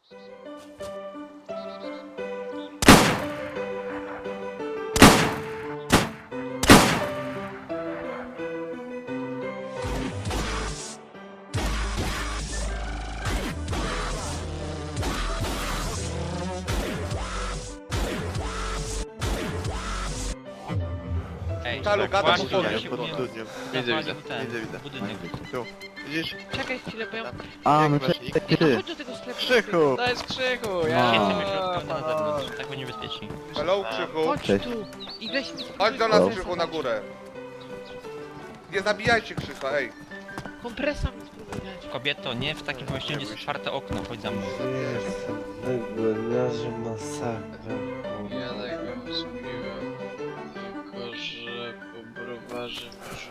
Talu, gada po Właśnie, polsku. Widzę. Budynek. Tu. Widzisz? Czekaj chwilę, bo ja... A, no masz ty. Chodź do tego sklepu. Krzychu! To jest Krzychu, No. ja... Na zewnątrz, tak będzie bezpieczniej. Hello, Krzychu. Chodź Cześć. tu i weź mi... Chodź do nas, Krzychu, na górę. Nie zabijajcie Krzycha, ej. Kompresa mi spróbuj dać. Kobieto, nie w takim pomieszczeniu, gdzie jest otwarte okno, chodź za mną. Jestem wygłodniarzy masakra. Ja tego zrobiłem, tylko że po browarze wyżył.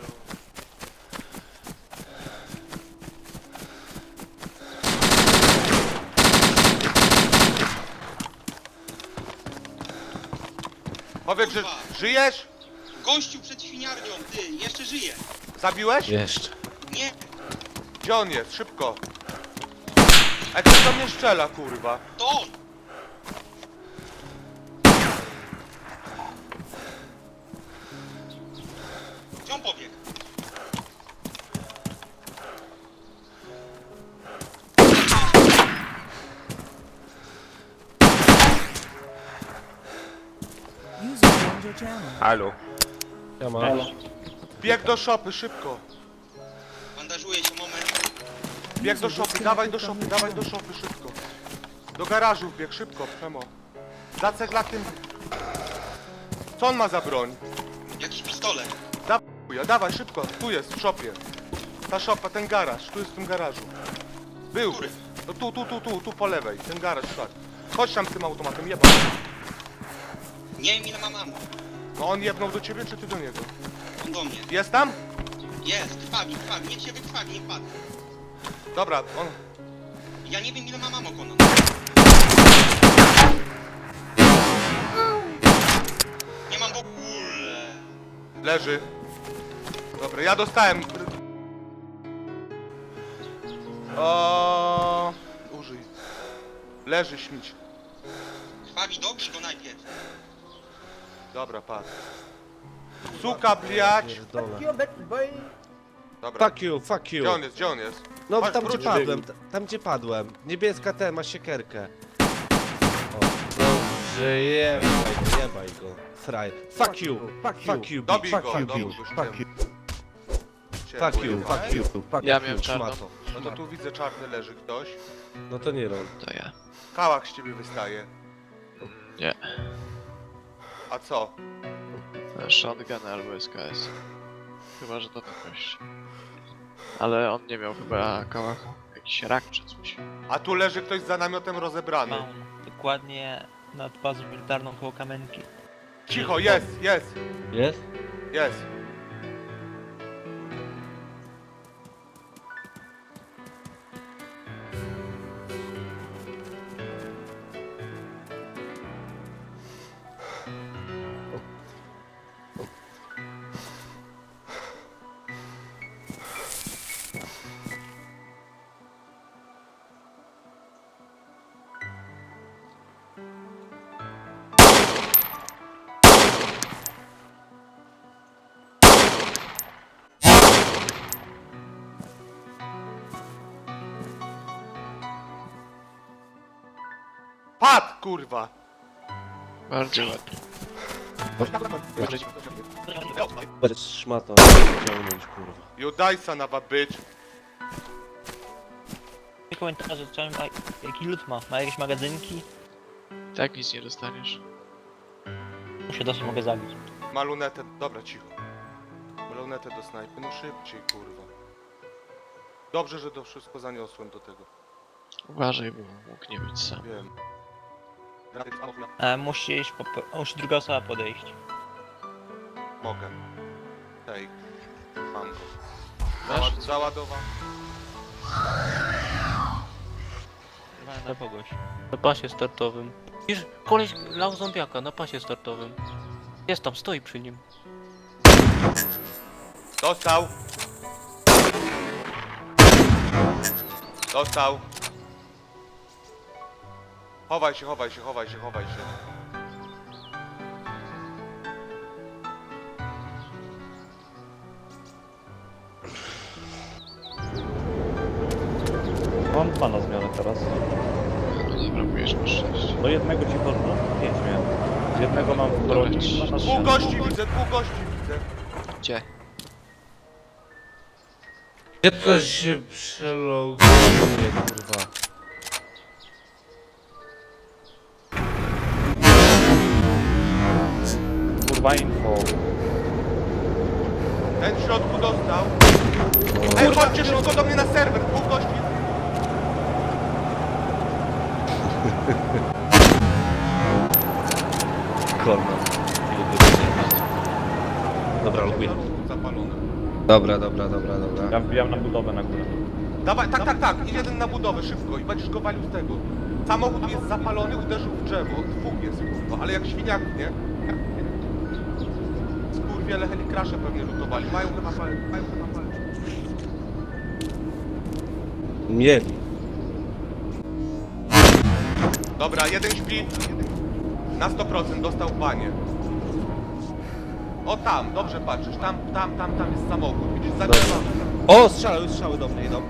Powiedz, że żyjesz? Gościu przed świniarnią, ty, jeszcze żyje. Zabiłeś? Jeszcze. Nie, Gdzie on jest? Szybko. Ej, ktoś do mnie strzela, kurwa. to on. Gdzie on pobiegł? Halo. Ja mam. Bieg do szopy, szybko. Bandażuje się, moment. Bieg do szopy, dawaj do szopy, dawaj do szopy, szybko. Do garażu bieg, szybko, Przemo. Za ceglatym... Co on ma za broń? Jakiś pistolet. Chuja, dawaj, szybko, tu jest, w szopie. Ta szopa, ten garaż, tu jest w tym garażu. Był. Który? No tu po lewej, ten garaż, tak. Chodź tam z tym automatem, jebaj. Nie wiem ile mam ammo. No on jebnął do ciebie, czy ty do niego? On do mnie. Jest tam? Jest, krwawi, niech się wykrwawi, niech padnie. Dobra, on... Ja nie wiem ile mam ammo, Konan. Nie mam w ogóle. Leży. Dobra, ja dostałem. O, użyj. Leży śmić. Krwawi, dobij go najpierw. Dobra, patrz. Suka, bliać. Pierdolę. Dobra. Fuck you, fuck you. Gdzie on jest? Gdzie on jest? No Chodź, tam gdzie wróć. padłem, tam gdzie padłem. Niebieska T ma siekierkę. O, dobrze, jebaj go. Fraj. Fuck you, fuck you, Dobij fuck go, you, dobij bitch. go. Fuck you, Cię, fuck you, pojebałem. fuck you, fuck Ja you, miałem czarną. szmato. No to tu widzę czarny leży ktoś. No to nie Ron. To ja. Kałach z ciebie wystaje. Nie. A co? Shotgun albo SKS. Chyba, że to gość. Ale on nie miał chyba kałachu. Jakiś rak czy coś. A tu leży ktoś za namiotem rozebrany. Mam dokładnie nad bazą militarną koło Kamenki. Cicho, jest, jest, Jest? jest. Pad, kurwa! Bardzo ładnie. Bez szmata ciągnąć, kurwa. You die, son of a bitch. Komentarze, czy ma, jaki lód ma? Ma jakieś magazynki? Tak nic nie dostaniesz. Muszę dosyć mogę zabić. Ma lunetę, dobra, cicho. Ma lunetę do snajpy, no szybciej, kurwa. Dobrze, że to wszystko zaniosłem do tego. Uważaj, bo mógł nie być sam. Wiem. Musi druga osoba podejść. Mogę. Tej. Mam go. Masz? Załadował. Na kogoś. Na pasie startowym. Widzisz, koleś lał zombiaka na pasie startowym. Jest tam, stoi przy nim. Dostał. Dostał. Chowaj się, chowaj się, chowaj się, chowaj się. Mam 2 na zmianę teraz. No dobra, mówisz, masz 6. Do jednego ci podno, 5 miałem. Z jednego mam w broni, 2 na Dwóch zmianę. gości widzę, dwóch gości widzę. Gdzie? Gdzie ktoś się przeloguje, kurwa? Kurwa info. Ten w środku dostał. Ej, chodźcie szybko do mnie na serwer, dwóch gości. Korna. Dobra, loguję. Zapalony. Dobra. Ja wbijam na budowę na górę. Dawaj, tak, idź jeden na budowę szybko i będziesz go walił z tego. Samochód jest zapalony, uderzył w drzewo. Dwóch jest, kurwa, ale jak świniak, nie? Skurwiele helikrasze pewnie lutowali. Mają chyba palec. Mieli. Dobra, jeden śpi. Na 100% dostał banie. O tam, dobrze patrzysz, tam jest samochód. Widzisz, za drzewami. O, strzały do mnie idą.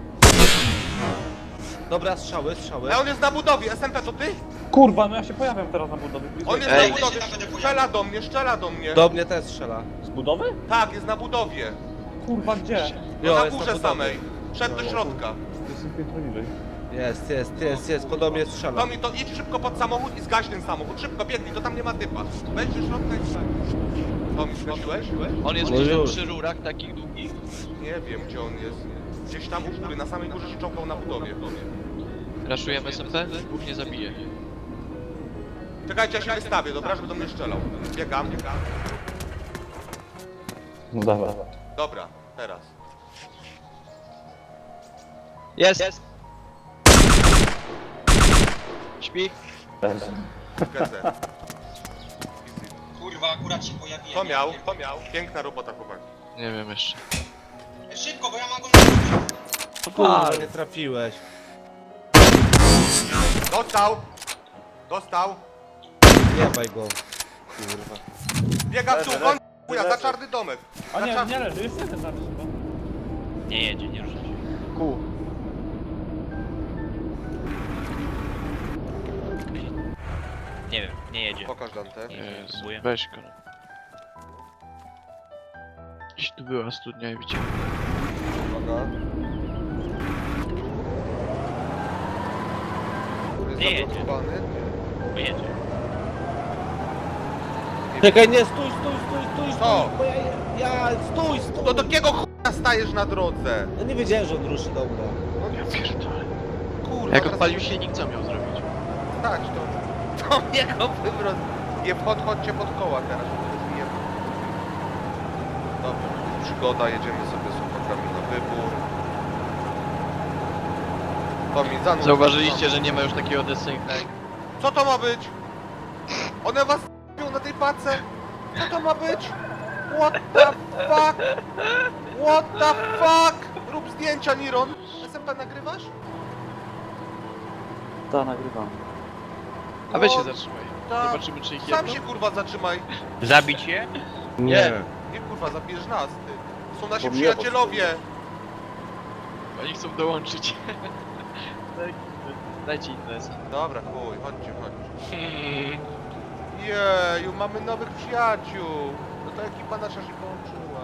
Dobra, strzały. Ej, on jest na budowie, SMP to ty? Kurwa, no ja się pojawiam teraz na budowie. On jest Ej. na budowie, strzela do mnie. Do mnie też strzela. Z budowy? Tak, jest na budowie. Kurwa, gdzie? No na jest górze budowie. samej. Wszedł do środka. Jestem piętro niżej. Jest, po do mnie strzela. To mi to idź szybko pod samochód i zgaś ten samochód. Szybko biegnij, to tam nie ma typa. Wejdź do środka i strzelaj. To mi zgasiłeś? On jest No gdzieś tam już. przy rurach takich długich. Nie wiem gdzie on jest. Gdzieś tam u góry, na samej górze się czołgał na budowie. Raszujemy SMP, dwóch nie zabije. Czekajcie, ja się wystawię, dobra, żeby do mnie strzelał. Biegam. No dobra. Dobra, teraz. Jest! Śpi? Zgadzę. Kurwa, akurat się pojawiłem. To miał. Piękna robota, chłopak. Nie wiem jeszcze. Szybko, bo ja mam go na górze. Kurwa, nie trafiłeś. Dostał. Nie baj go. Kurwa. Biega w dół, koń chuja, za czarny domek. A Za nie, czarny... nie leży, jest jeden tam chyba. Nie jedzie, nie rusza się. Ku. Nie wiem, nie jedzie. Pokaż Dante. Nie próbuję. Weź go. Gdzieś tu była studnia i widziałem. Uwaga. Jest Nie jedzie. zablokowany. Bo jedzie. Czekaj, nie, stój, Co? bo ja, stój. No do jakiego chuja stajesz na drodze? No nie wiedziałem, że on ruszy, dobra. Ja pierdolę. Kurwa, Jak teraz- odpalił silnik, co miał zrobić? Tak, to jego wywrót. Nie chodźcie pod koła teraz, żeby nie. Dobra, przygoda, jedziemy sobie z chłopakami na wybór. To mi zanurz. Zauważyliście, że nie ma już takiego desynku? Co to ma być? One was ***ą na tej pace? Co to ma być? What the fuck? What the fuck? Rób zdjęcia, Niron. SMP nagrywasz? Ta, nagrywam. A weź się What zatrzymaj. the- Zobaczymy, czy ich Sam jedno. się kurwa zatrzymaj. Zabić je? Nie. Nie kurwa, zabijesz nas, ty. Są nasi przyjacielowie. Oni chcą dołączyć. Dajcie interes. Dobra, chuj, chodźcie. Jeju, mamy nowych przyjaciół. No to ekipa nasza się połączyła.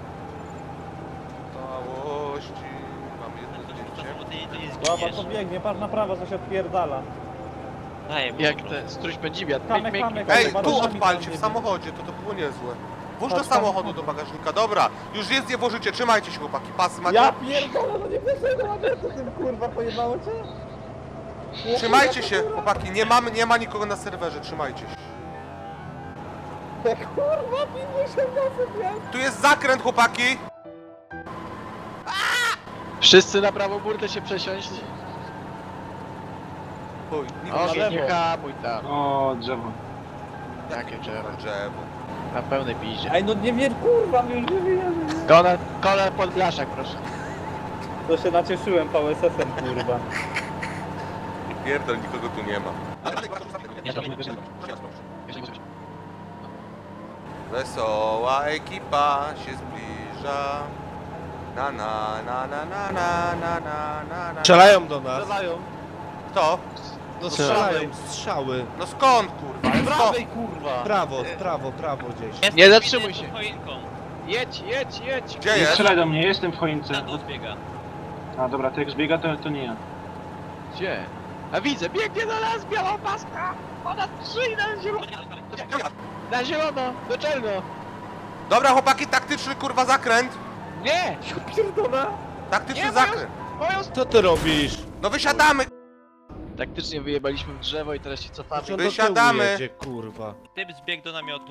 Całości. Mamy jedno zdjęcie. Dobra, to biegnie, patrz na prawo, co się odpierdala. Daję, Jak ten struś pędziwiat. Kamek, Myk, myk, kamek. myk. Ej, Chyba tu do odpalcie, nami w tam samochodzie, to było niezłe. Włóż do Patrz, tam- samochodu, do bagażnika, dobra. Już jest, je włożycie, trzymajcie się chłopaki, pasy macie? Ja pierdolę, no nie wyszedłem, a co tym kurwa pojebało cię? Trzymajcie się, chłopaki, nie ma nikogo na serwerze, trzymajcie się. Kurwa, 50 osób jest! Tu jest zakręt, chłopaki! Wszyscy na prawą burtę się przesiąść. Chuj, nikt O, nie nie hamuj tam. O, drzewo. Jakie drzewo? drzewo. Na pełnej piździe. Ej, no nie wiem, kurwa, my już nie wyjemy. Konar pod blaszak, proszę. To się nacieszyłem VSS-em, kurwa. pierdol, nikogo tu nie ma. Wesoła ekipa się zbliża. Na na na na na na na na na na. Strzelają do nas. Kto? No strzelają, strzały. No skąd kurwa? Ale skąd? kurwa! Prawo gdzieś. Nie zatrzymuj się. Choinką. Jedź. Gdzie Nie jest? strzelaj do mnie, jestem w choince. Na dół zbiega. A dobra, to jak zbiega, to nie ja. Gdzie? A widzę, biegnie do nas, biała paska! Ponad 3 na zielono! Na zielono, do czerno! Dobra chłopaki, taktyczny kurwa zakręt. Nie! Taktyczny Nie, zakręt. Co ty robisz? No wysiadamy. Taktycznie wyjebaliśmy w drzewo i teraz się cofamy. On do tyłu Wysiadamy. jedzie, kurwa. Typ zbiegł do namiotu.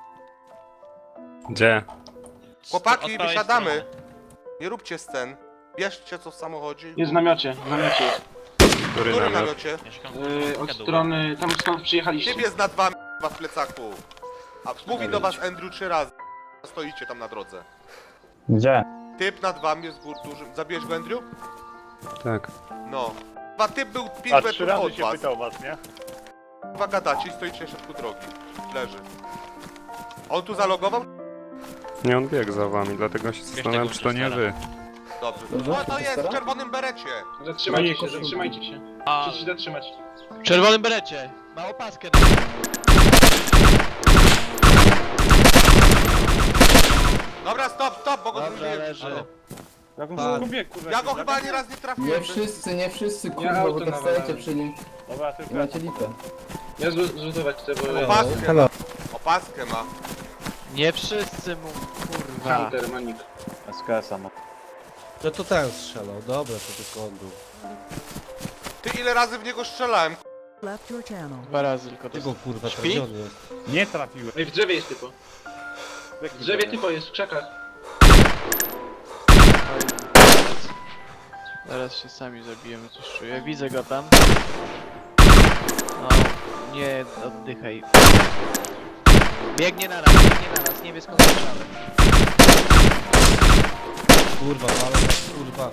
Gdzie? Chłopaki, Od prawej wysiadamy. strony. Nie róbcie scen. Bierzcie co w samochodzie. Jest w namiocie, jest. W którym namiocie? Mieszkam Od strony, tam skąd przyjechaliście. Typ jest nad wami w plecaku. A mówi do was Andrew 3 razy. Stoicie tam na drodze. Gdzie? Typ nad wami jest gór dużym. Zabiłeś go Andrew? Tak. No. Chyba typ był 5 metrów od was. was, nie? Chyba gadacie i stoicie na środku drogi. Leży. On tu zalogował? Nie, on biegł za wami, dlatego się zastanawiam, czy to nie wy. Dobrze. O, to jest w czerwonym berecie. Zatrzymajcie się. A, Musicie się zatrzymać. W czerwonym berecie! Ma opaskę. Dobra, stop, bo go Dobra, drużynie. leży. Jak on Pan. szybko biegł, kurwa. Ja go chyba ani raz nie trafiłem. Nie wszyscy, Ja kurwa, auto bo tak nawalałem. stajecie przy nim Dobra, i tylko. macie lipę. Ja zlutować chcę, bo... Opaskę ma. Opaskę ma. Nie wszyscy mu, kurwa. Hunter, manik. SKS-a ma. No to ten strzelał, dobra, to tylko on był. Ty ile razy w niego strzelałem? Left your channel. 2 razy tylko to. Tego kurwa Śpi? trafiony jest. Nie trafiłem. Ej, w drzewie jest typo. W drzewie typo jest, w krzakach. Zaraz się sami zabijemy, coś czuję. Widzę go tam. No, nie oddychaj. Biegnie na nas, niebieską strzałę. Kurwa, ale kurwa.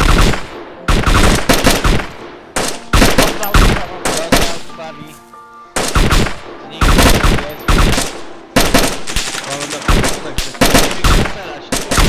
Krwawi. Nikt nie jest. Ale na początek się... Nie wiem, strzelać.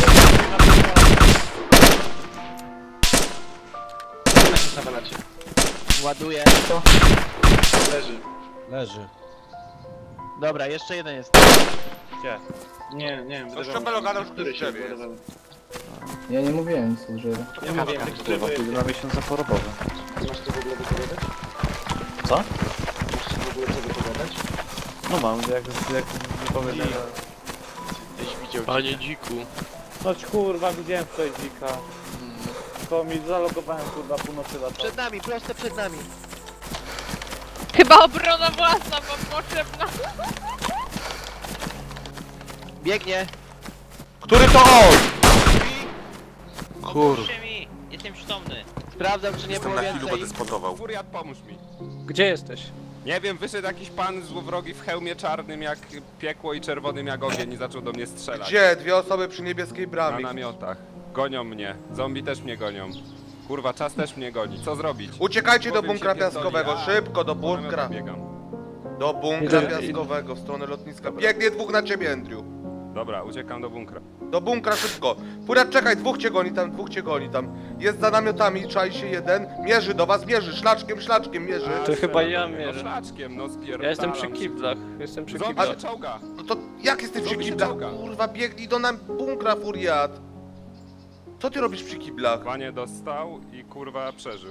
Na się zawalacie. Ładuję. Leży. Leży. Dobra, jeszcze jeden jest. Gdzie? Nie, To Szczepelo gadał, że który w się drzewie jest. wydawało. Ja nie mówiłem nic o drzewie. Ja mówię, jak drzewo jest. 2 miesiące chorobowe. Masz co w ogóle wypowiadać? Co? Masz w ogóle co wypowiadać? No mam, jak nie powiem. Gdzieś widział. Panie dziku. Chodź kurwa, widziałem wczoraj dzika. To mi zalogowałem kurwa północy lata. Przed nami, proste przed nami. Chyba obrona własna wam potrzebna. Biegnie. Który to on? Pomóżcie mi! Jestem przytomny. Sprawdzam, czy nie Jestem było na chwilę, więcej. będę spotował. Furiat, pomóż mi. Gdzie jesteś? Nie wiem, wyszedł jakiś pan złowrogi w hełmie czarnym jak piekło i czerwonym jak ogień i zaczął do mnie strzelać. Gdzie? 2 osoby przy niebieskiej Na bramie. namiotach. Gonią mnie. Zombie też mnie gonią. Kurwa, czas też mnie goni. Co zrobić? Uciekajcie do Powiem bunkra się, pierdoli, piaskowego, a- szybko do Po bunkra. namiotach biegam. Do bunkra Idę. piaskowego, w stronę lotniska. Biegnie 2 na ciebie, Andrew. Dobra, uciekam do bunkra. Do bunkra szybko. Furiat, czekaj, 2 cię goni tam. Jest za namiotami, czai się jeden. Mierzy do was, mierzy, szlaczkiem mierzy. A, To chyba strzelam ja do niego. mierzę. Szlaczkiem, no spierdalam. Ja jestem przy kiblach. Jestem przy Zombie kiblach. się czołga. No to jak jesteś przy Zombie się kiblach? czołga. Kurwa, biegnij do nam bunkra, Furiat. Co ty robisz przy kiblach? Panie dostał i kurwa przeżył.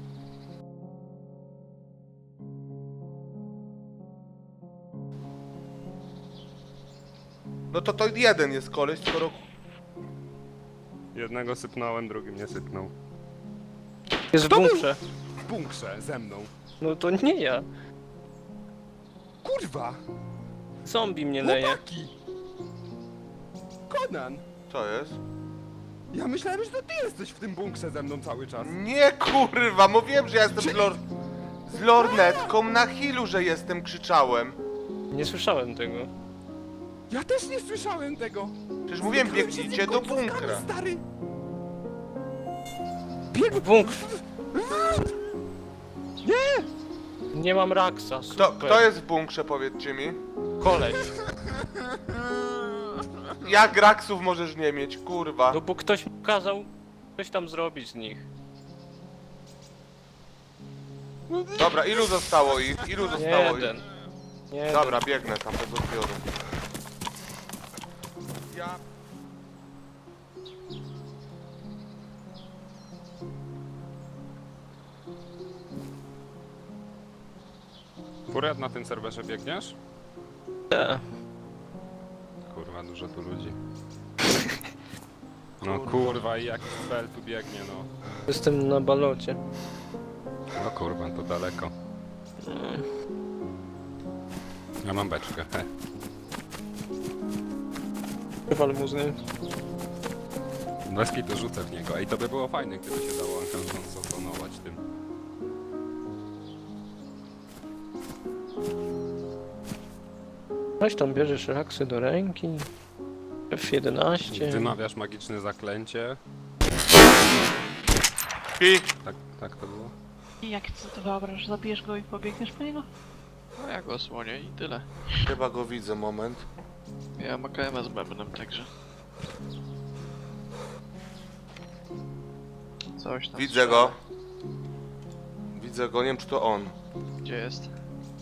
No to jeden jest koleś, skoro... Jednego sypnąłem, drugi mnie sypnął. Jest w bunkrze. W bunkrze, ze mną. No to nie ja. Kurwa! Zombie mnie leje. Chłopaki! Conan! Co jest? Ja myślałem, że to ty jesteś w tym bunkrze ze mną cały czas. Nie kurwa, mówiłem, że ja jestem z lornetką na healu, że jestem, krzyczałem. Nie słyszałem tego. Ja też nie słyszałem tego! Przecież mówiłem, Spotkałem się z biegnijcie nim do końcówkami, bunkra. stary! W bunkrze. Nie mam raksa, super. Kto jest w bunkrze, powiedzcie mi? Koleś. Jak raksów możesz nie mieć, kurwa? No bo ktoś mu kazał coś tam zrobić z nich. Dobra, ilu zostało ich? Ilu zostało ich? Jeden. Nie, Dobra, biegnę tam bez odbioru. Ja... Furiat, na tym serwerze biegniesz? nie. Kurwa, dużo tu ludzi. No kurwa, i jakiś fel tu biegnie, no. Jestem na balocie. O kurwa, to daleko. Ja mam beczkę, he. Wal mu z nim. Bez kitu rzucę w niego. Ej, to by było fajne, gdyby się dało konsonować tym. Weź tam bierzesz raksy do ręki. F11. Wymawiasz magiczne zaklęcie. Pi! Tak to było? I jak ty to wyobrażasz? Zabijesz go i pobiegniesz po niego? No ja go osłonię i tyle. Chyba go widzę, moment. Ja mam AKM z bębnem, także... Coś tam Widzę go. Widzę go, nie wiem czy to on. Gdzie jest?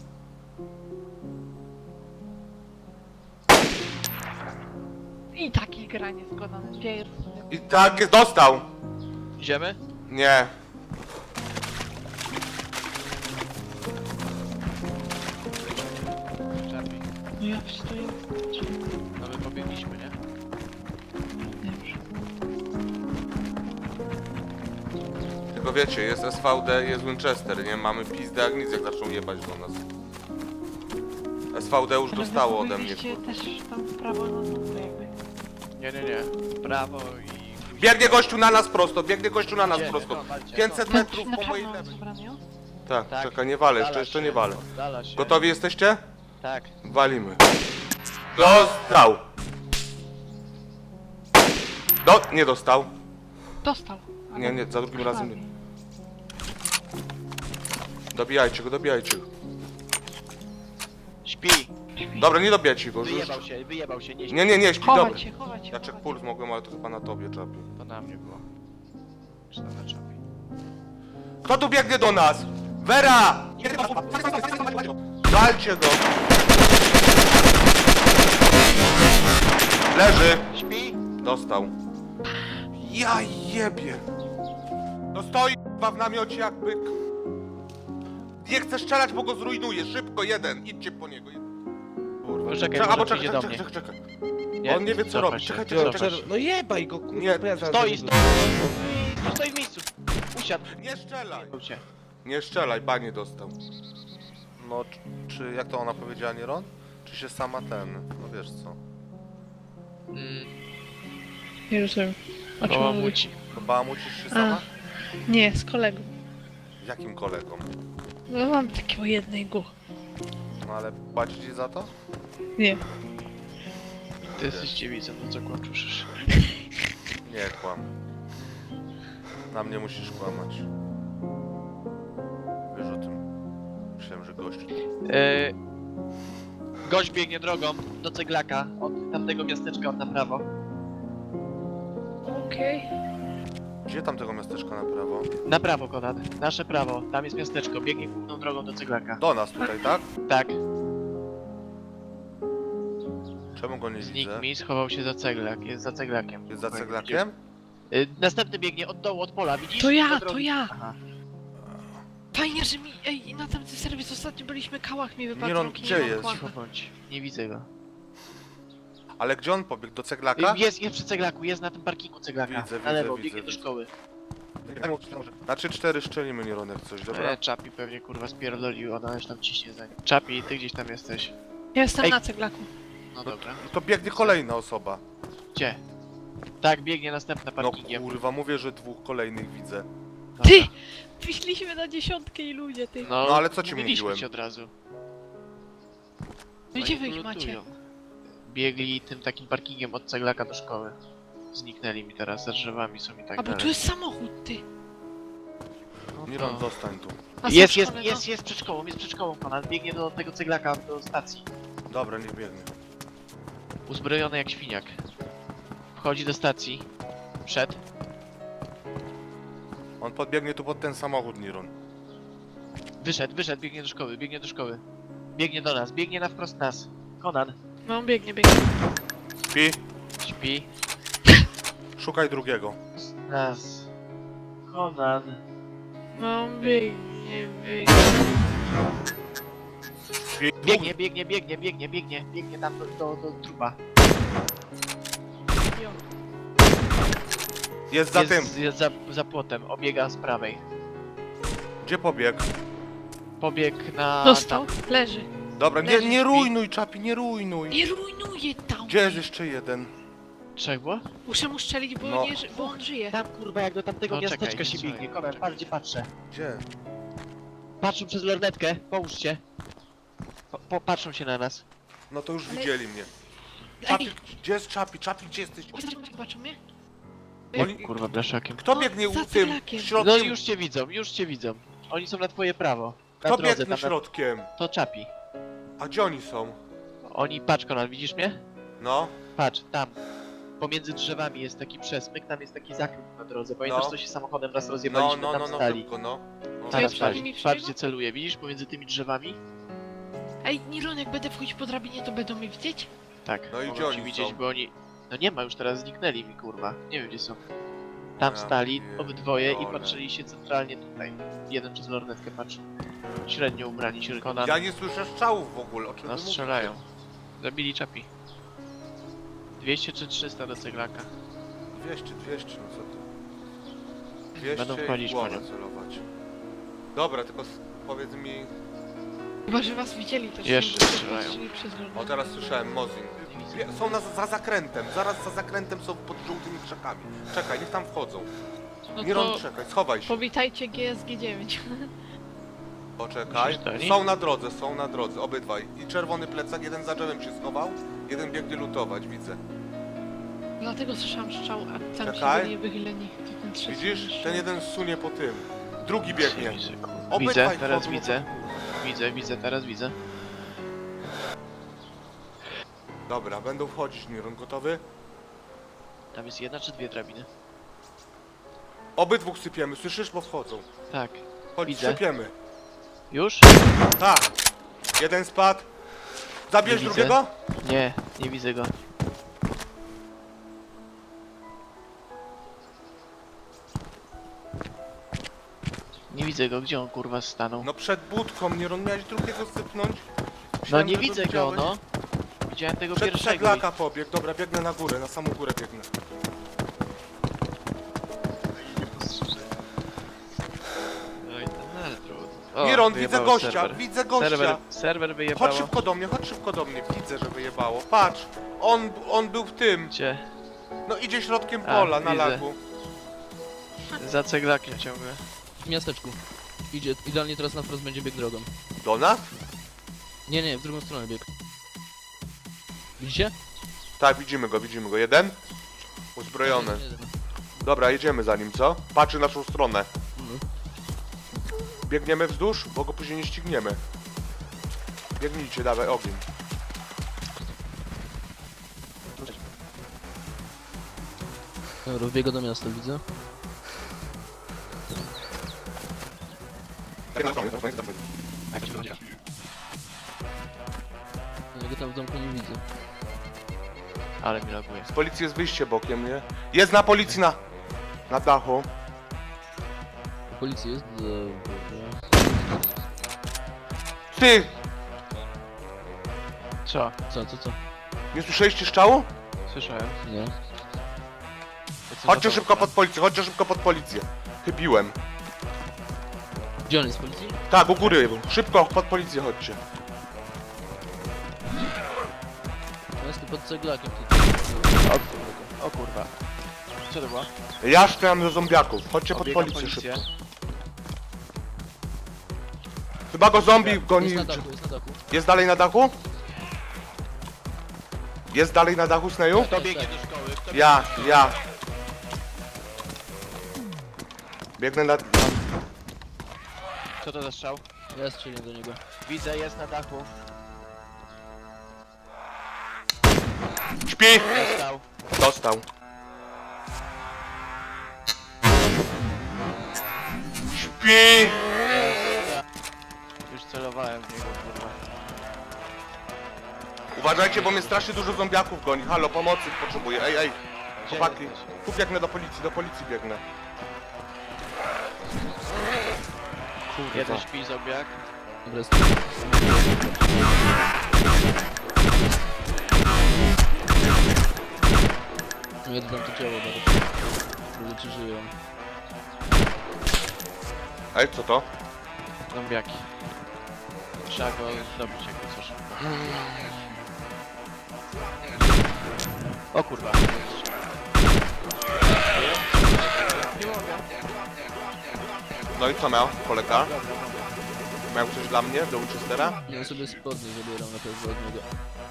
I taki granie składane. Dwie jest. I tak, jest, dostał! Idziemy? Nie. Czapi. No ja stoję. No my pobiegliśmy, nie? Tylko wiecie, jest SVD, jest Winchester, nie? Mamy pizdę jak nic, jak zaczną jebać do nas. SVD już dostało ode mnie, kurwa. też tam w prawo na dół jakby. Nie. Prawo i... Biegnie gościu na nas prosto, biegnie gościu na nas Gdzie? prosto. No, walcie, 500 metrów Na po mojej czarno lewej. zabrany, jo? Tak, Tak. czekaj, nie walę, Oddala jeszcze się, nie walę. oddala się. Gotowi jesteście? Tak. Walimy. Dostał! Nie dostał. Dostał. ale Nie, za drugim razem nie. krwawi. Dobijajcie go, dobijajcie go. Śpi! Dobra, nie dobijajcie go, już. Wyjebał się, nie śpi. Nie, śpi, dobra. Chować się, chować się. Ja check chować puls mogłem, ale to chyba na tobie, Czapi. To na mnie było. Czy to na Czapi? Kto tu biegnie do nas? Vera! Walcie go! Leży! Śpi! Dostał. Ja jebie! No stoi k***a w namiocie jak byk. Nie chcę strzelać, bo go zrujnuję. Szybko, jeden. Idźcie po niego. Kurwa. Poczekaj, Albo może przyjdzie do mnie. czekaj. Nie, On nie wie co cofa robić. się, Czekaj, cofa się. No jebaj go, kurwa. Nie, bo ja zaraz Stoi, będę- stoi w miejscu! Usiadł! Nie strzelaj! Wyjebał się. Nie strzelaj, banie dostał. No, czy jak to ona powiedziała, Nieron? Czy się sama no wiesz co. Nie rozumiem. O czym Koła mówisz? muci. To bałamucisz się sama? Nie, z kolegą. Jakim kolegom? No mam takiego jednego. No ale płaci ci za to? Nie. Ty jesteś dziewicą, no co kłamczusz? Nie kłam. Na mnie musisz kłamać. Wiesz o tym. Myślałem, że gościu. Gość biegnie drogą do ceglaka od tamtego miasteczka na prawo. Okej. Gdzie tam tego miasteczka na prawo? Na prawo, Konrad. Nasze prawo. Tam jest miasteczko. Biegnie główną drogą do ceglaka. Do nas tutaj, tak? Tak. Czemu go nie widzę? Znikł mi, schował się za ceglak. Jest za ceglakiem. Jest za ceglakiem? Następny biegnie od dołu, od pola, widzisz? To ja, Do drogi. to ja. Aha. Fajnie, że mi... Ej, na tamtym serwisie ostatnio byliśmy, kałach mi wypadł. Miron, rąk i gdzie mam jest? kłacha. Cicho bądź. Nie widzę go. Ale gdzie on pobiegł? Do ceglaka? Jest przy ceglaku, jest na tym parkingu ceglaka. Widzę, na lewo, widzę, biegnie widzę. do szkoły. Na 3-4 szczelimy Nieronek coś, dobra? Czapi pewnie kurwa spierdolił, ona już tam ciśnie za nim. Czapi, ty gdzieś tam jesteś. Ja jestem Ej. na ceglaku. No dobra. No to biegnie kolejna osoba. Gdzie? Tak, biegnie następna No parkingiem. kurwa, mówię, że dwóch kolejnych widzę. Dobra. Ty! Wyszliśmy na 10 i ludzie, ty. No, ale co ci mówiliśmy mówiłem? ci od razu. No gdzie Oni wy ich macie? lutują. Biegli tym takim parkingiem od ceglaka do szkoły. Zniknęli mi teraz, za drzewami są i tak A bo dalej. tu jest samochód, ty. Miron, zostań tu. A Jest, są jest, szkole, jest, jest przed szkołą, Konan. Biegnie do tego ceglaka, do stacji. Dobra, niech biegnie. Uzbrojony jak świniak. Wchodzi do stacji. Wszedł. On podbiegnie tu pod ten samochód, Niron. Wyszedł, biegnie do szkoły, Biegnie do nas, biegnie na wprost nas. Konan. No, biegnie. Śpi, Śpi. szukaj drugiego. Nas. Konan. No, biegnie. Śpi. Biegnie tam do trupa. Jest za tym. Jest za płotem, obiega z prawej. Gdzie pobiegł? Pobiegł na... Dostał, tam. leży. Dobra, Leży, nie śpi. rujnuj, Czapi, nie rujnuj. Nie rujnuje tam. Gdzie jest jeszcze jeden? Trzech było? Muszę mu strzelić, bo, No. bo on żyje. Tam kurwa, jak do tamtego No, miasteczka czekaj, się czekaj. biegnie. Konan, patrz gdzie patrzę. Gdzie? Patrzą przez lornetkę, połóżcie. Patrzą się na nas. No to już Ale- widzieli mnie. Ej, Czapi, gdzie jest Czapi? Czapi, gdzie jesteś? zobaczą mnie? Oni- Kurwa, blaszakiem. Kto No, biegnie za tym ceglakiem. środkiem? No już cię widzą. Oni są na twoje prawo. Na Kto drodze, biegnie tam na... środkiem? To Czapi. A gdzie oni są? Oni, patrz Konan, widzisz mnie? No, Patrz, tam. Pomiędzy drzewami jest taki przesmyk, tam jest taki zakręt na drodze. Pamiętasz, No. co się samochodem raz no, rozjebaliśmy, no, tam no, no, stali. szybko, no. No, Zaraz jest patrz, przy nim patrz przybiegł? gdzie celuję, widzisz? Pomiędzy tymi drzewami? Ej, Niron, jak będę wchodzić po drabinie, to będą mnie widzieć? Tak, No i mogą gdzie ci oni widzieć, są? bo oni... No nie ma, już teraz zniknęli mi, kurwa. Nie wiem gdzie są. Tam Ja stali, obydwoje i pierdolę. patrzyli się centralnie tutaj. Jeden przez lornetkę patrzy. Średnio ubrani się Konan. Ja nie słyszę strzałów w ogóle, o czym wy No mówicie? strzelają. Zabili Czapi. 200 czy 300 do ceglaka. 200, no co ty? 200 Będą i wchodzić w po głowę nią. celować. Dobra, tylko powiedz mi... Chyba, że was widzieli też. Jeszcze żeby strzelają. patrzyli przez lornetkę. O, teraz słyszałem Mozin. Są za zakrętem, zaraz za zakrętem są pod żółtymi krzakami. Czekaj, niech tam wchodzą. No Miron, to czekaj, schowaj się. powitajcie GSG 9. Poczekaj. Myślisz, to oni? Są na drodze, obydwaj. I czerwony plecak, jeden za drzewem się schował, jeden biegnie lutować, widzę. Dlatego słyszałam strzał, a tam Czekaj. się byli wychyleni. To ten trzeci Widzisz? strzał. Ten jeden sunie po tym. Drugi biegnie. Widzę, kurwa. Obydwaj Widzę, teraz wchodzą, no widzę. to- Widzę, teraz widzę. Dobra, będą wchodzić, Miron, gotowy? Tam jest jedna czy dwie drabiny? Obydwóch sypiemy, słyszysz? Bo wchodzą. Tak. Chodź, Widzę. sypiemy. Już? Tak. Jeden spadł. Zabierz Nie widzę. drugiego? Nie, nie widzę go. Nie widzę go, gdzie on kurwa stanął? No przed budką, Miron, miałeś drugiego sypnąć. No Myślałem, nie że widzę go, widziałeś. no. Widziałem tego Przed pierwszego. przeglaka pobiegł, dobra, biegnę na górę, na samą górę biegnę. Oj, ten Neltrud. Miron, widzę wyjebało gościa, serwer. widzę gościa. Serwer wyjebało. Chodź szybko do mnie, widzę, że wyjebało. Patrz, on był w tym. Gdzie? No idzie środkiem A, pola, na widzę. lagu. Za ceglakiem ciągle. W miasteczku. Idzie, idealnie teraz na wprost będzie bieg drogą. Do nas? Nie, w drugą stronę bieg. Widzicie? Tak, widzimy go. Jeden? Uzbrojony. Dobra, jedziemy za nim, co? Patrzy naszą stronę. Biegniemy wzdłuż, bo go później nie ścigniemy. Biegnijcie, dawaj, ogień. Dobra, wbiega do miasta, widzę. Ja go tam w domku nie widzę. Ale mi laguje. Z policji jest wyjście bokiem, nie? Jest na policji na dachu. Policja jest? Dobra. Ty! Co? Co? Nie słyszeliście strzału? Słyszałem. Nie. Chodźcie szybko pod policję, Chybiłem. Gdzie on jest, policji? Tak, u góry. Szybko pod policję chodźcie. On jest tu pod ceglakiem. O kurwa. Co to było? Ja strzelam do zombiaków. Chodźcie pod Obiegam policję policję. szybko. Chyba go zombie goni. Jest na dachu. Jest dalej na dachu? Jest dalej na dachu, Sneju? Kto biegnie do szkoły? Kto Ja. Biegnę na... Co to za strzał? Ja strzeliłem do niego. Widzę, jest na dachu. Śpi! Dostał. Dostał. Śpi! Już celowałem w niego, kurwa. Uważajcie, bo mnie strasznie dużo zombiaków goni. Halo, pomocy potrzebuję. Ej, Gdzie chłopaki. jesteś? Tu biegnę do policji biegnę. Jeden śpi zombiak. Dobra, ja dodam to ciało, bo czy żyją. Ej, co to? Zombiaki. Trzeba go zdobyć jakby co szybko. O kurwa. No i co miał kolega? Miał coś dla mnie do Winchestera? Ja sobie spodnie zabieram na pewno od niego.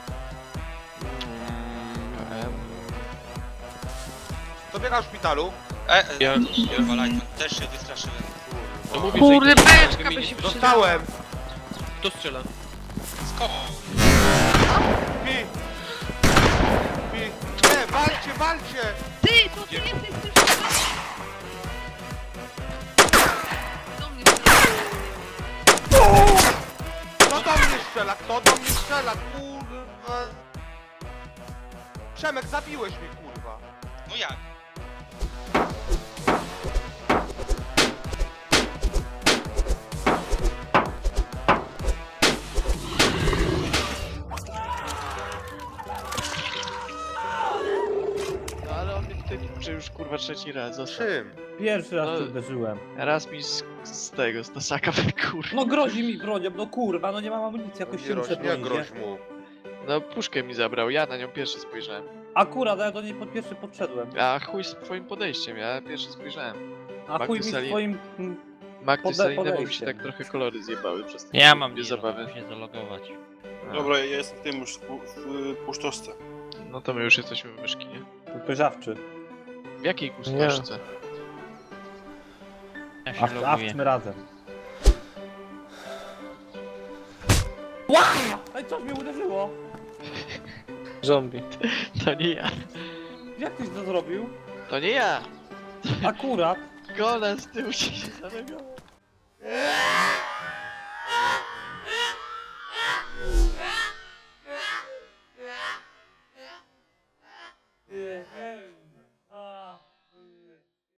To biega w szpitalu. Ja walaj, też się wystraszyłem. To mówię, Kurde, że beczka by się przydała. Dostałem! Kto strzela? Skąd? Śpi! Śpi! Nie, walcie! Ty, to ty jesteś tym szpitalem. Do mnie Kto do mnie strzela? Kto do mnie strzela? Kurwa! Przemek, zabiłeś mnie, kurwa! No jak? No ale on mnie tutaj że już kurwa trzeci raz został. Czym? Pierwszy raz No. cię uderzyłem. Raz mi z tego, z tasaka kurwa. No grozi mi bronią, no kurwa, no nie mam amunicji, jakoś się muszę Nie bronić, nie? groź mu. No puszkę mi zabrał, ja na nią pierwszy spojrzałem. Akurat, a ja do niej pierwszy podszedłem. A chuj z twoim podejściem, ja pierwszy spojrzałem. A chuj mi Magdy swoim... Magdy Salinemu mi się podejściem. tak trochę kolory zjebały przez te Ja mam dwie zabawy. muszę się zalogować. A, Dobra, ja jestem w tym już w puszczoszce. No to my już jesteśmy w myszki, nie? Pyżawczy. W jakiej kustoszce? Ja się loguję. Awczmy razem. Ła! Ej, coś mnie uderzyło! Zombie. To nie ja. Jak tyś to zrobił? To nie ja! Akurat. Gole z tyłu się zalogował. Nie,